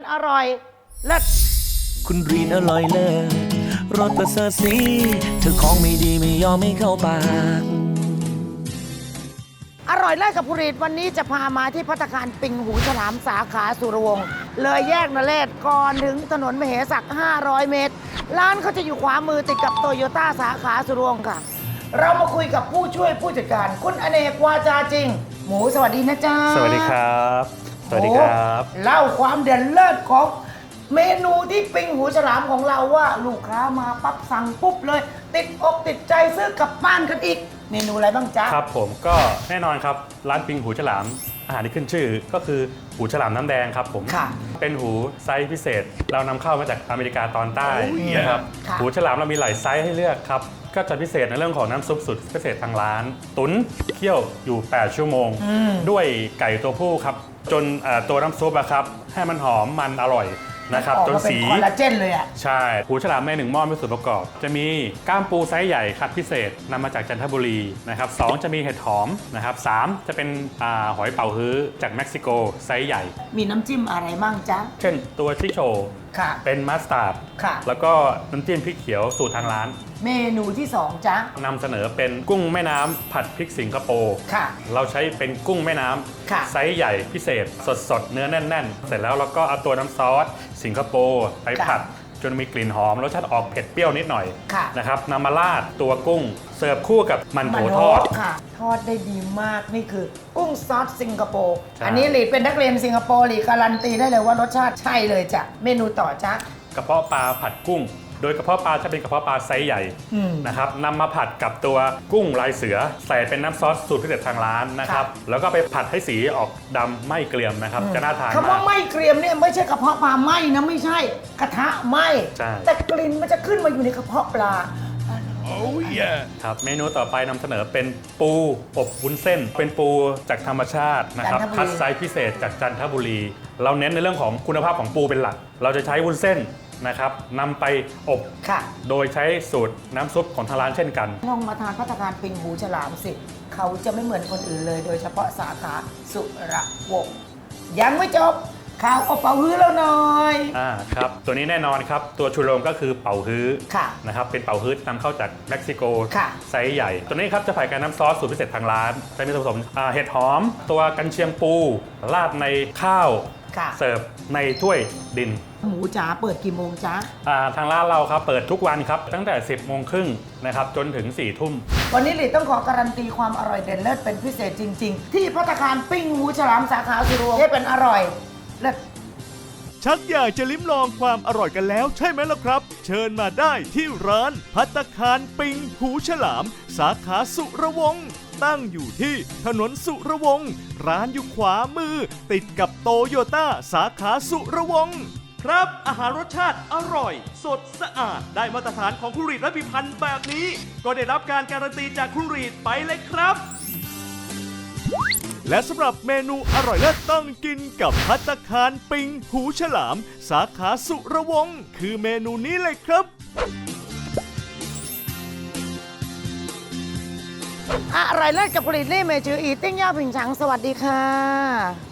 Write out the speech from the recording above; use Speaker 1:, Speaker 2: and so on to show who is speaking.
Speaker 1: อร่อยเลิศ
Speaker 2: คุณรีนอร่อยเลิศรสประเสริฐสีเธอของไม่ดีไม่ยอมไม่เข้าปาก
Speaker 1: อร่อยเลิศกับภูริตวันนี้จะพามาที่ภัตตาคารปิงหูฉลามสาขาสุรวงศ์เลยแยกนเรศก่อนถึงถนนมเหสัก 500 เมตร ร้านเขาจะอยู่ขวามือติดกับโตโยต้าสาขาสุรวงศ์ค่ะ เรามาคุยกับผู้ช่วยผู้จัดการคุณอเนกวาจาจริง หมูสวัสดีนะจ๊ะ
Speaker 3: สวัสดีครับ สวัสดีครับ
Speaker 1: เล่าความเด่นเลิศของเมนูที่ปิงหูฉลามของเราว่าลูกค้ามาปั๊บสั่งปุ๊บเลย ติดอกติดใจซื้อกลับบ้านกันอีก เมนูอะไรบ้างจ๊ะ
Speaker 3: ครับผมก็แน่นอนครับร้านปิงหูฉลามอาหารที่ขึ้นชื่อก็คือหูฉลามน้ำแดงครับผม
Speaker 1: ค่ะ
Speaker 3: เป็นหูไซส์พิเศษ เรานำเข้ามาจากอเมริกาตอนใต้นะครับ
Speaker 1: ค่ะ
Speaker 3: หูฉลามเรามีหลายไซส์ให้เลือกครับก็จะพิเศษในเรื่องของน้ำซุปสุดพิเศษทางร้าน ตุ๋นเคี่ยวอยู่ 8 ชั่วโมง ด้วยไก่ตัวผู้ครับจนตัวน้ำซุปอะครับให้มันหอมมันอร่อยนะครับ
Speaker 1: ออก
Speaker 3: จน
Speaker 1: มาเป็น
Speaker 3: สี
Speaker 1: คอลลาเจนเลยอ่ะ
Speaker 3: ใช่หูฉลามใน1หม้อมีส่วนประกอบ จะมีก้ามปูไซส์ใหญ่คัดพิเศษนำมาจากจันทบุรีนะครับ2จะมีเห็ดหอมนะครับ3จะเป็นหอยเป๋าฮื้อจากเม็กซิโกไซส์ใหญ่
Speaker 1: มีน้ำจิ้มอะไรบ้างจ๊ะ
Speaker 3: เช่นตัวชิโช
Speaker 1: ค่ะ
Speaker 3: เป็นมัสตาร์ด
Speaker 1: ค่ะ
Speaker 3: แล้วก็น้ำจิ้มพริกเขียวสูตรทางร้าน
Speaker 1: เมนูที่ 2จ๊ะ
Speaker 3: นำเสนอเป็นกุ้งแม่น้ำผัดพริกสิงคโปร์
Speaker 1: ค่ะ
Speaker 3: เราใช้เป็นกุ้งแม่น้
Speaker 1: ค่ะ
Speaker 3: ำไซส์ใหญ่พิเศษสดๆ เนื้อแน่นๆ เสร็จแล้วเราก็เอาตัวน้ำซอสสิงคโปร์ไปผัดจนมีกลิ่นหอมรสชาติออกเผ็ดเปรี้ยวนิดหน่อย
Speaker 1: ค่ะ
Speaker 3: นะครับนำมาราดตัวกุ้งเสิร์ฟคู่กับมันโถทอด
Speaker 1: ค่ะ ทอดได้ดีมากนี่คือกุ้งซอสสิงคโปร์
Speaker 3: ใช่
Speaker 1: อันนี้หลีเป็นนักเรียนสิงคโปร์หลีการันตีได้เลยว่ารสชาติใช่เลยจ้ะเมนูต่อจ๊ะ
Speaker 3: กระเพาะปลาผัดกุ้ง โดยกระเพาะปลาจะเป็นกระเพาะปลาไซส์ใหญ่
Speaker 1: อืม
Speaker 3: นะครับนำมาผัดกับตัวกุ้งลายเสือ ใส่เป็นน้ำซอสสูตรพิเศษทางร้านนะครับแล้วก็ไปผัดให้สีออกดำไม่เกรียมนะครับจะน่าทาน
Speaker 1: คำว่าม
Speaker 3: าก
Speaker 1: ไม่เกรียมเนี่ยไม่ใช่กระเพาะปลาไหมนะไม่ใช่กระทะไหม
Speaker 3: ใช่
Speaker 1: แต่กลิ่นมันจะขึ้นมาอยู่ในกระเพาะปลา
Speaker 3: ครับเมนูต่อไปนำเสนอเป็นปูอบวุ้นเส้น เป็นปูจากธรรมชาตินะครับ
Speaker 1: จันทบุรี
Speaker 3: คัดไซส์พิเศษจากจันทบุรี เราเน้นในเรื่องของคุณภาพของปูเป็นหลัก เราจะใช้วุ้นเส้นนะครับนำไปอบ
Speaker 1: ค่ะ
Speaker 3: โดยใช้สูตรน้ำซุปของทางร้านเช่นกัน
Speaker 1: ลองมาทานภัตตาคารปิงหูฉลามสิเขาจะไม่เหมือนคนอื่นเลย โดยเฉพาะสาขาสุระวงศ์ยังไม่จบข่าวเอาเป๋าฮื้อแล้วหน่อย
Speaker 3: ครับตัวนี้แน่นอนครับ ตัวชูโรงก็คือเป๋าฮื้อ
Speaker 1: ค่ะ
Speaker 3: นะครับเป็นเป๋าฮื้อนำเข้าจากเม็กซิโก
Speaker 1: ค่ะ
Speaker 3: ไซส์ใหญ่ ตัวนี้ครับจะผ่านการน้ำซอสสูตรพิเศษทางร้านจะมีส่วนผสมเห็ดหอม ตัวกันเชียงปูราดในข้าว
Speaker 1: ค่ะ
Speaker 3: เสิร์ฟในถ้วยดิน
Speaker 1: หมูจ๋าเปิดกี่โมงจ๊ะ
Speaker 3: ทางร้านเราครับเปิดทุกวันครับตั้งแต่ 10 โมงครึ่งนะครับจนถึง 4 ทุ่ม
Speaker 1: วันนี้หลีต้องขอการันตีความอร่อยเด่นเลิศเป็นพิเศษจริง ๆ ที่ภัตตาคารปิ้งหูฉลามสาขาสุรวงศ์ให้เป็นอร่อยเลิศ
Speaker 4: ชักอยากจะลิ้มลองความอร่อยกันแล้วใช่ไหมล่ะครับ เชิญมาได้ที่ร้านภัตตาคารปิงหูฉลาม สาขาสุรวงศ์ตั้งอยู่ที่ถนนสุรวงศ์ร้านอยู่ขวามือ ติดกับโตโยต้าสาขาสุรวงศ์ครับอาหารรสชาติอร่อย สดสะอาดได้มาตรฐานของคุณรีดและพิพันธ์แบบนี้ ก็ได้รับการการันตีจากคุณรีดไปเลยครับ และสำหรับเมนูอร่อยเลิศต้องกินกับภัตตาคารปิงหูฉลาม สาขาสุรวงศ์คือเมนูนี้เลยครับ
Speaker 1: อร่อยเลิศกับผลิตเล่เมจืออีติ้งย่าผิงฉังสวัสดีค่ะ